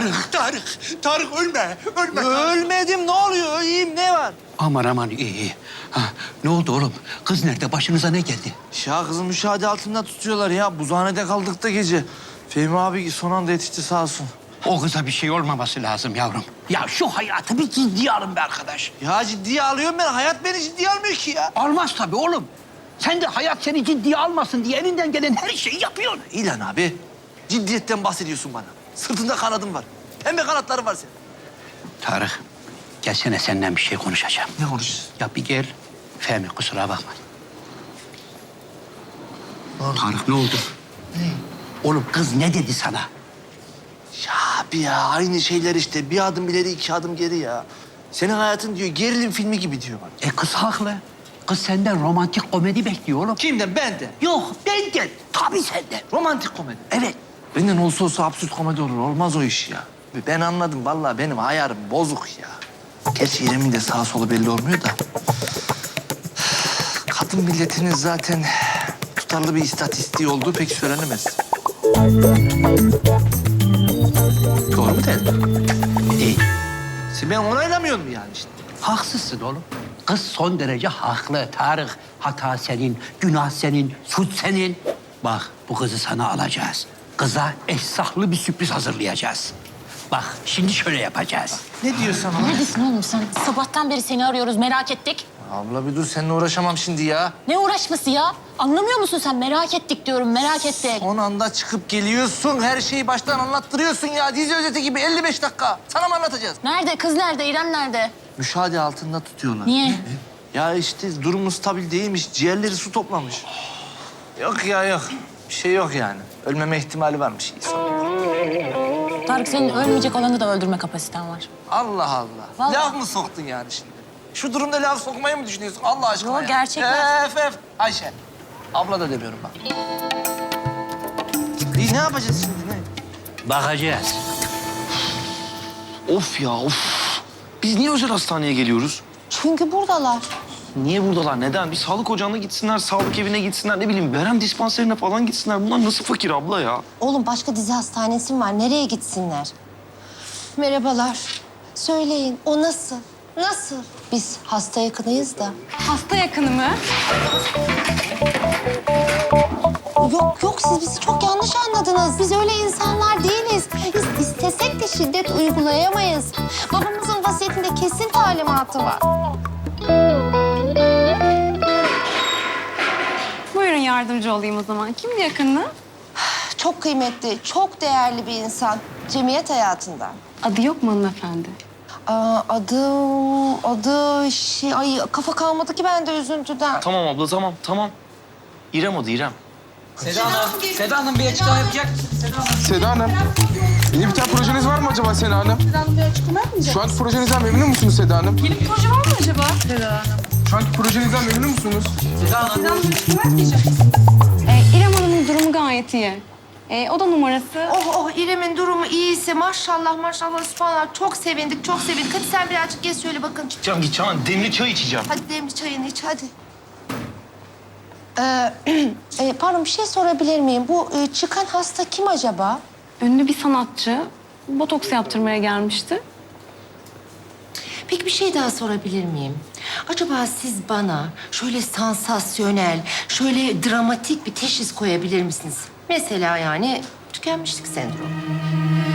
Tarık ölme. Ölmedim, ne oluyor? İyiyim, ne var? Aman iyi. Ha, ne oldu oğlum? Kız nerede? Başınıza ne geldi? Ya kızı müşahede altında tutuyorlar ya. Buzhanede kaldık da gece. Fehmi abi son anda yetişti sağ olsun. O kıza bir şey olmaması lazım yavrum. Ya şu hayatı bir ciddiye alın be arkadaş. Ya ciddiye alıyorum ben. Hayat beni ciddiye almıyor ki ya. Almaz tabii oğlum. Sen de hayat seni ciddiye almasın diye elinden gelen her şeyi yapıyorsun. İlan abi, ciddiyetten bahsediyorsun bana. Sırtında kanadın var. Pembe kanatları var senin. Tarık, gelsene senden bir şey konuşacağım. Ne konuşuyorsun? Ya bir gel. Fehmi kusura bakma. Tarık ne oldu? Ne? Oğlum kız ne dedi sana? Ya abi ya, aynı şeyler işte. Bir adım ileri, iki adım geri ya. Senin hayatın diyor, gerilim filmi gibi diyor bana. Kız haklı. Kız senden romantik komedi bekliyor oğlum. Kimden? Benden. Yok benden. Tabii senden. Romantik komedi. Evet. Benden olsa absürt komedi olur. Olmaz o iş ya. Ben anladım. Vallahi benim ayarım bozuk ya. Gerçi İrem'in de sağ solu belli olmuyor da. Kadın milletinin zaten tutarlı bir istatistiği olduğu pek söylenemez. Doğru mu değil mi? Değil. Ben onaylamıyorum yani işte. Haksızsın oğlum. Kız son derece haklı Tarık. Hata senin, günah senin, suç senin. Bak bu kızı sana alacağız. Kıza efsahlı bir sürpriz hazırlayacağız. Bak şimdi şöyle yapacağız. Ne diyorsun ama? Neredesin oğlum sen? Sabahtan beri seni arıyoruz, merak ettik. Abla bir dur, seninle uğraşamam şimdi ya. Ne uğraşması ya? Anlamıyor musun sen? Merak ettik diyorum, merak ettik. Son anda çıkıp geliyorsun, her şeyi baştan anlattırıyorsun ya. Dizi özeti gibi 55 dakika. Sana mı anlatacağız? Nerede? Kız nerede? İrem nerede? Müşahede altında tutuyorlar. Niye? Ya işte durumu stabil değilmiş, ciğerleri su toplamış. Yok ya yok, bir şey yok yani. Ölmeme ihtimali varmış. Tarık senin ölmeyecek olanı da öldürme kapasiten var. Allah Allah. Vallahi. Laf mı soktun yani şimdi? Şu durumda laf sokmayı mı düşünüyorsun Allah aşkına Yo, ya? gerçekler. Öf. Ayşe. Abla da demiyorum bak. İyi, ne yapacağız şimdi ne? Bakacağız. Of ya of. Biz niye özel hastaneye geliyoruz? Çünkü buradalar. Niye buradalar? Neden? Bir sağlık ocağına gitsinler, sağlık evine gitsinler, ne bileyim verem dispanserine falan gitsinler. Bunlar nasıl fakir abla ya? Oğlum başka dizi hastanesi mi var? Nereye gitsinler? Merhabalar. Söyleyin o nasıl? Nasıl? Biz hasta yakınıyız da. Hasta yakını mı? Yok siz bizi çok yanlış anladınız. Biz öyle insanlar değiliz. Biz istesek de şiddet uygulayamayız. Babamızın vasiyetinde kesin talimatı var. Buyurun yardımcı olayım o zaman. Kimdi yakını? Çok kıymetli, çok değerli bir insan. Cemiyet hayatında. Adı yok mu hanımefendi? Adı şey... Ay kafa kalmadı ki bende üzüntüden. Tamam abla tamam. İrem adı İrem. Seda Hanım bir açıklama yapacak. Seda Hanım, yeni bir tane projeniz var mı acaba Seda Hanım? Seda Hanım bir açıklama yapmayacak. Şu anki projenizden memnun musunuz Seda Hanım? Yeni bir proje var mı acaba? Seda Hanım. Şu anki projenizden memnun musunuz? Seda Hanım. İrem Hanım'ın durumu gayet iyi. Oda numarası... Oh İrem'in durumu iyiyse maşallah subhanallah çok sevindik. Hadi sen birazcık geç söyle bakın. Gideceğim. Demli çay içeceğim. Hadi demli çayını iç hadi. Pardon bir şey sorabilir miyim? Bu çıkan hasta kim acaba? Ünlü bir sanatçı. Botoks yaptırmaya gelmişti. Peki bir şey daha sorabilir miyim? Acaba siz bana şöyle sansasyonel, şöyle dramatik bir teşhis koyabilir misiniz? Mesela yani tükenmişlik sendromu.